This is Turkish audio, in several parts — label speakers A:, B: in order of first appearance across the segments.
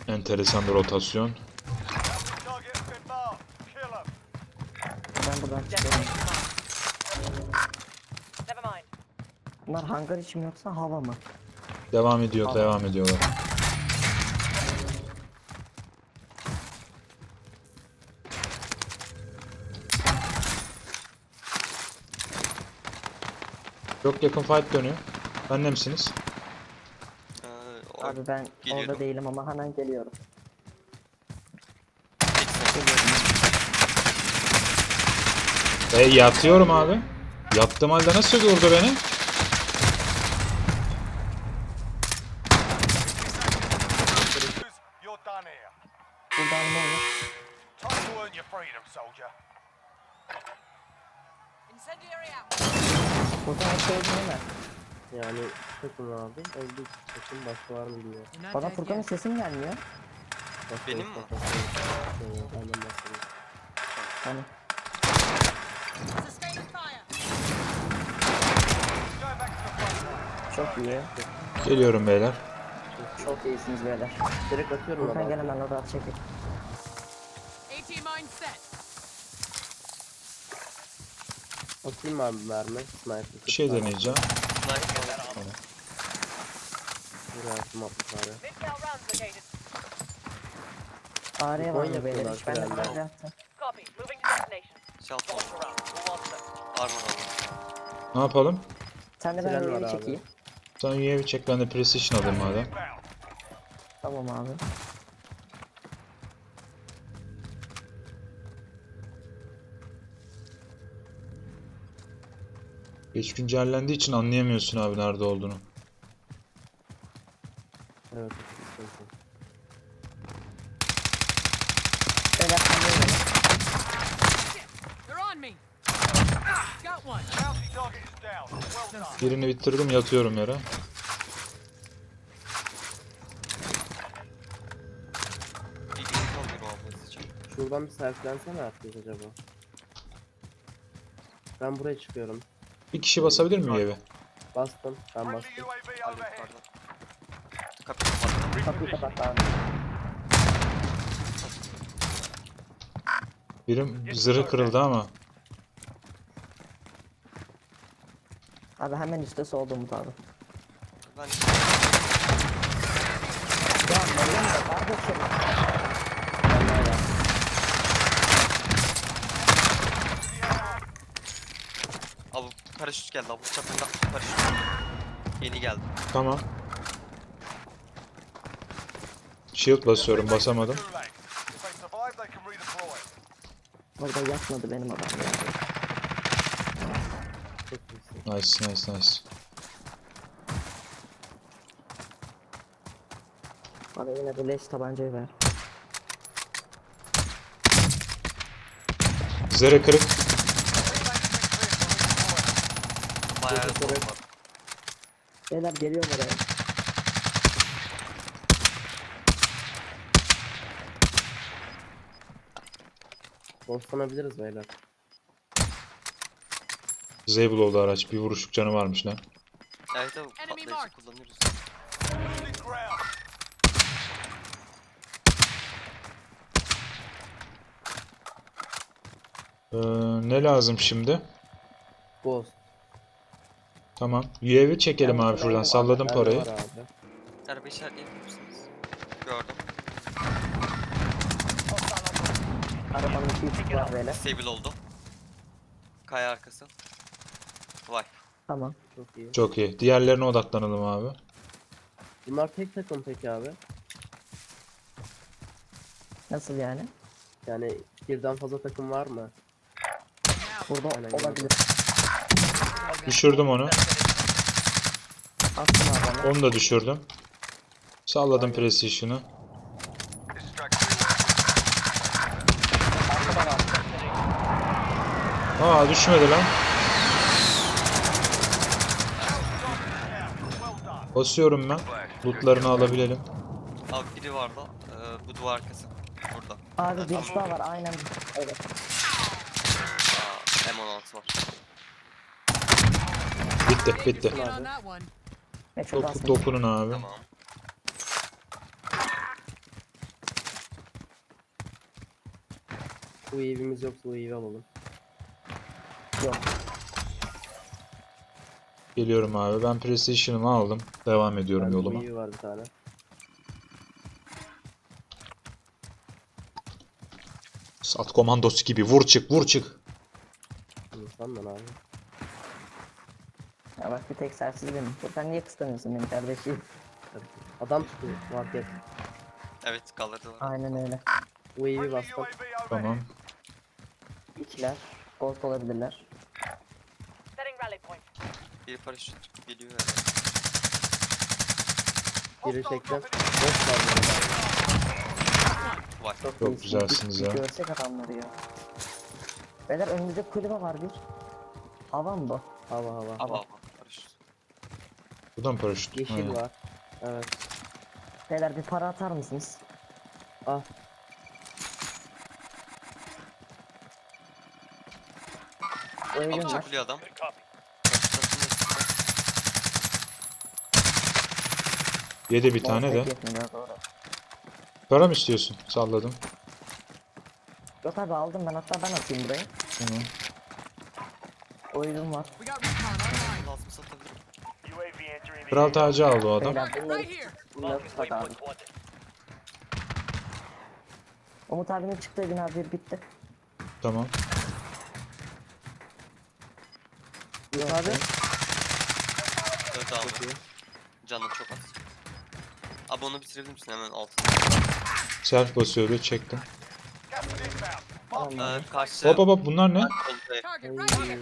A: Enteresan bir rotasyon.
B: Ben buradan çıkıyorum. Bunlar hangar içi mi yoksa hava mı?
A: Devam ediyor,
B: Tamam.
A: devam ediyorlar. Çok yakın fight dönüyor. Bende misiniz?
B: Abi ben
C: Geliyorum.
B: orada değilim ama hemen geliyorum.
A: Yatıyorum abi. Yattığım halde nasıl vurdu beni?
B: Buradan ne olur? Buradan şey değil mi?
D: Yani takım abi. Öldü takım başka var mı bilmiyorum.
B: Bana Furkan'ın sesim gelmiyor.
C: Benim mi?
D: Benden bahsediyorum.
B: Hani çok iyi.
A: Geliyorum beyler.
B: Çok iyisiniz beyler.
D: Direkt atıyorum
B: Furkan
D: abi.
B: gel hemen orada çekil.
D: Atayım mı abi mermi? Sniper.
A: Bir şey deneyeceğim.
D: Buraya attım 60 abi.
B: Ağrıya var mı
D: Konya
B: beyler?
D: yapıyorlar
B: Hiç bende
D: herhalde.
B: böyle attı.
C: Şaltı armor aldım.
A: Ne yapalım?
B: Sen de ben
D: Tren var
B: öyle
D: abi.
B: çekeyim.
A: Sen UAV çek, ben de precision alayım madem.
B: Tamam abi.
A: Geç güncellendiği için anlayamıyorsun abi nerede olduğunu.
D: Evet. Sıkıntı.
B: Beyler sen de öyle.
A: Birini bitirdim, yatıyorum yere.
C: Bir gün kalıyor olması için.
D: Şuradan bir selflensene herkes acaba. Ben buraya çıkıyorum.
A: Bir kişi basabilir mi UAV?
D: Bastım. Ben bastım.
C: Ali yukarıda. Kapıyı kapattım.
B: Kapıyı kapat abi.
A: Birim zırhı kırıldı ama.
B: Abi hemen üstte solda Umut abi.
C: Ben
B: Ya Meryem de kardeşim.
C: abi paraşüt geldi. Abi çapında paraşüt. Yeni geldi.
A: Tamam. Shield basıyorum, basamadım.
B: Orada yatmadı benim adam ya.
D: Çok iyisin.
A: Nice, nice, nice.
B: Bana yine bu leş tabancayı ver.
A: Zırhı kırık.
C: Bayağı
D: Çok
C: zor
D: evet.
C: var.
B: Beyler geliyor oraya.
D: Dostlanabiliriz beyler.
A: Disable oldu araç. Bir vuruşluk canı varmış lan.
C: Evet abi patlayıcı kullanıyoruz.
A: Ne lazım şimdi?
D: Ghost.
A: Tamam. UAV çekelim abi şuradan. Salladım
D: Bende
A: parayı.
D: var abi.
C: Araba işaretleyebilir misiniz? Gördüm.
B: Arabanın iki üstü var böyle.
C: Stable oldu. Kaya arkası. Vay.
B: Tamam.
D: Çok iyi.
A: Çok iyi. Diğerlerine odaklanalım abi.
D: Bunlar tek takım peki abi.
B: Nasıl yani?
D: Yani birden fazla takım var mı?
B: Burada
D: Aynen,
B: olabilir.
A: Düşürdüm onu.
B: Attım adamı.
A: Onu da düşürdüm. Salladım precision'ı.
B: Arkada var.
A: Aa, düşmedi lan. Basıyorum ben. Lootlarını alabilelim.
C: Abi biri vardı. Bu duvar arkası. Burada.
B: Abi bir daha var aynen. Evet.
C: M16 var.
A: Bitti, bitti.
B: Ne çok az.
A: Dokunun abi.
C: Tamam.
D: Bu evimiz yoksa bu evi alalım.
B: Yok.
A: Geliyorum abi. Ben PlayStation'ımı aldım. Devam ediyorum
D: Yani bu
A: yoluma.
D: evi var bir tane.
A: Sat komandosu gibi vur çık vur çık.
D: İnsan lan abi.
B: Ya bak bir tek sersiz benim. Sen niye kıskanıyorsun beni kardeşim?
D: Adam tutuyor market.
C: Evet galerde var.
B: Aynen öyle.
D: Bu evi bastım.
A: Tamam.
B: İkiler. Gold olabilirler.
E: Setting rally point.
C: Bir paraşüt geliyor herhalde.
D: Biri çektim. Boş var bu arada.
C: Vay.
A: Çok
B: iyisin.
A: güzelsiniz
B: Bir
A: ya.
B: görsek adamları ya. Beyler önümüzde kulübe var bir. Hava mı bu?
D: Hava hava.
C: Hava paraşüt.
A: Buradan paraşüt.
D: Yeşil
A: Aynen.
D: var. Evet.
B: Beyler bir para atar mısınız?
D: Ah.
B: O evim
C: Abi
B: var.
C: çakılıyor adam.
A: Yedi bir tane de.
B: Monster yetmiyor, doğru.
A: Para mı istiyorsun? Salladım.
B: Yok abi aldım ben, hatta ben atayım burayı.
A: Tamam.
B: O evim var.
C: Lazım satabilirim.
A: Kral tacı aldı o adam.
B: Beyler bunları tutak abi. Umut abinin çıktığı evin abi bitti.
A: Tamam.
D: Yok abi.
C: Öldü abi. Canı çok az. Abi onu bitirebilir misin hemen altına?
A: Self basıyordu çektim.
B: Tamam.
C: Karşı...
A: Hop hop hop bunlar ne?
C: Oldu.
E: Target
D: Oy.
E: right here.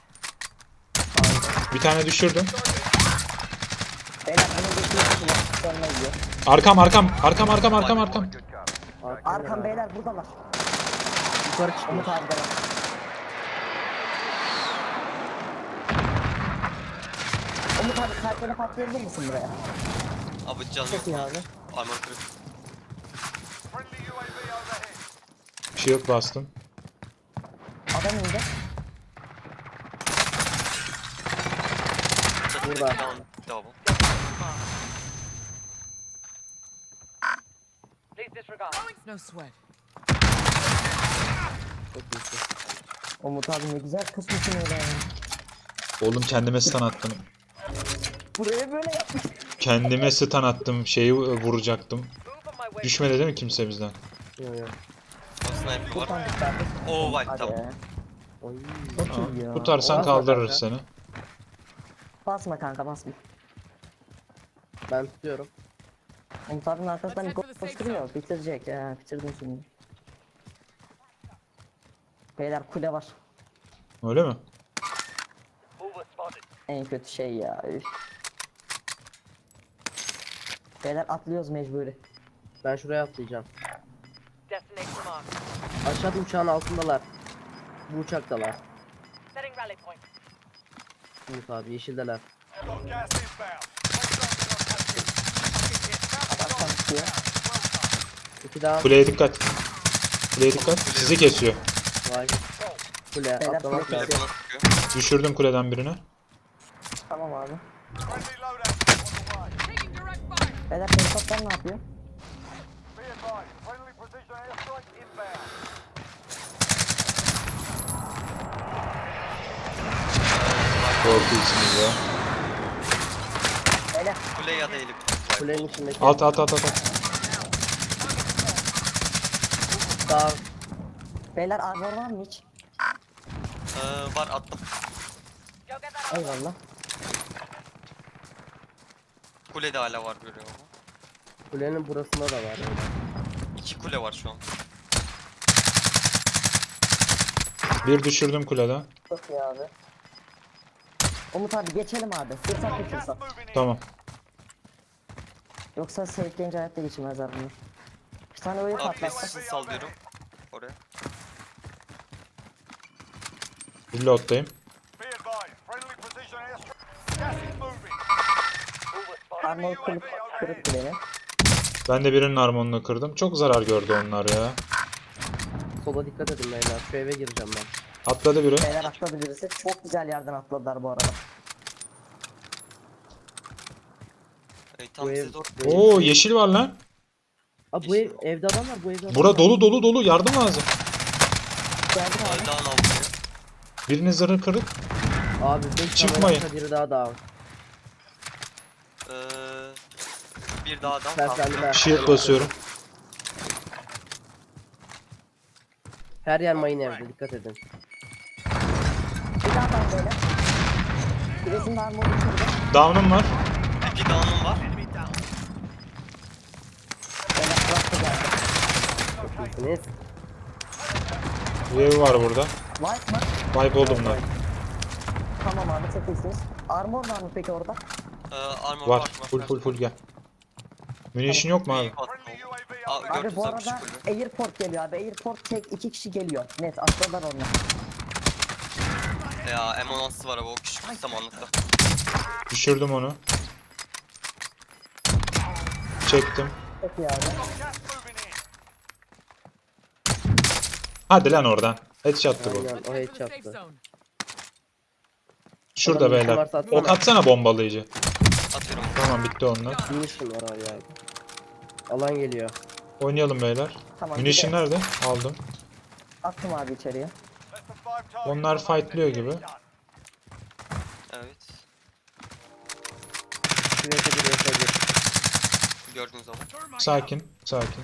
A: Bir tane düşürdüm.
B: Beyler bunu geçiyorsunuz. Sonuna gidiyor.
A: Arkam.
B: Arkam beyler buradalar.
D: Yukarı çıkıyor.
B: Umut abi de var. Umut abi kalpleri patlayabilir misin buraya?
C: Abi canı
B: Çok iyi
C: yok.
B: abi.
C: Armor kırık.
A: Shield bastım.
B: Adam indi.
D: Burada.
C: Double.
E: Please disregard. No sweat.
D: Çok iyisin.
B: Umut abi ne güzel kısmısın öyle yani.
A: Oğlum kendime stun attım.
B: Buraya böyle yapmış.
A: Kendime stun attım. Şeyi vuracaktım.
E: Move on my way.
A: Düşmedi değil mi kimse bizden?
D: Yok yok.
C: O sniper var.
B: Kurtardık abi.
C: Oo vay
B: Hadi
C: tamam.
B: ya.
D: Oy.
B: Çok iyi ya.
A: Tutarsan
D: Basma
A: kaldırır
D: kanka.
A: seni.
B: Basma kanka basma.
D: Ben tutuyorum.
B: Umut abinin arkasından bir
E: Let's
B: gol
E: head for the safe
B: koşturuyor. Bitirecek ya. Bitirdim şimdi. Beyler kule var.
A: Öyle mi?
B: En kötü şey ya. Üf. Beyler atlıyoruz mecburi.
D: Ben şuraya atlayacağım.
E: Destination mark.
D: Aşağıda uçağın altındalar. Bu uçaktalar.
E: Setting rally point.
D: Umut abi yeşildeler.
B: Adam çıkıyor.
D: İki daha.
A: Kuleye dikkat. Kuleye dikkat. Sizi kesiyor.
D: Vay. Kule
B: Beyler,
D: atlamak
B: kule
D: lazım.
C: Telefona sıkıyor.
A: Düşürdüm kuleden birini.
B: Tamam abi.
E: Taking direct fire.
B: Beyler helikopter ne yapıyor?
A: Korkuyorsunuz ya.
B: Beyler
C: Kule ya da helikopter.
D: Kulenin içindeki.
A: At.
D: Daha
B: beyler armor var mı hiç?
C: Var attım.
E: Go get that armor.
B: Eyvallah.
C: Kulede hala var görüyor ama.
D: kulenin burasında da var. Öyle.
C: 2 kule var şu an.
A: Bir düşürdüm kuleden.
B: Çok iyi abi. Umut abi geçelim abi. Fırsat bir fırsat.
A: Tamam.
B: Yoksa safe'leyince hayatta geçirmezler bunlar. Bir tane öyle
C: Abi
B: patlatsak.
C: precision sallıyorum. Oraya.
A: Reload'dayım.
B: Armor kırık bilelim.
A: Ben de birinin armonunu kırdım. Çok zarar gördü onlar ya.
D: Sola dikkat edin beyler. Şu eve gireceğim ben.
A: Atladı biri.
B: Beyler atladı birisi. Çok güzel yerden atladılar bu arada.
C: Tam
D: Bu
C: size
D: ev-
C: doğru.
A: Oo yeşil var lan.
D: Aa bu evde adam var. Bu evde adam
A: Bura
D: var.
A: dolu. Yardım lazım.
B: Geldim abi.
C: Dağın altı.
A: Birinin zırhı kırık.
D: Abi 5
A: Çıkmayın.
D: tane biri daha down.
C: Bir daha adam
D: Ben
C: kaldı.
D: kendime
A: Shield basıyorum.
D: her yer mayın evde, dikkat edin.
B: Bir daha ben böyle. Birisinin armoru kırdı.
A: Down'um var.
C: Bir down'um var.
B: Böyle bıraktı geldi.
D: İyisiniz.
A: UAV var burada.
B: White mı?
A: Wipe oldum bunlar.
B: Tamam abi çok iyisiniz. Armor var mı peki orada?
C: Armor
A: Var. Full gel. Munition yok mu abi?
B: Abi bu arada airport geliyor abi. Airport tek 2 kişi geliyor. Net atladılar onlar.
C: Ya M16'sı var abi o küçük samanlıkta.
A: Düşürdüm onu. Çektim.
B: Çok iyi abi.
A: Hadi lan oradan. Headshot'tı bu.
D: Aynen, o
E: Return to the safe
D: headshot'tı.
E: zone.
A: Şurada
D: Adam
A: beyler.
D: varsa atsana.
A: Ok atsana bombalayıcı.
C: Atıyorum.
A: Tamam bitti onlar.
D: Munition var abi yani. Alan geliyor.
A: Oynayalım beyler.
B: Tamam.
A: Munition
B: bir de
A: nerede? Aldım.
B: Attım abi içeriye.
A: Onlar fightlıyor gibi.
C: Evet.
D: Şuraya bir.
C: Gördüğünüz zaman.
A: Sakin. Sakin.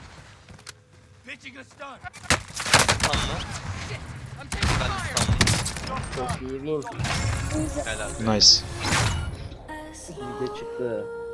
C: Tamam.
E: I'm taking
C: Ben de
E: fire.
C: sandım.
D: Çok iyi win.
C: Helal.
A: Nice.
D: Bir de çıktı.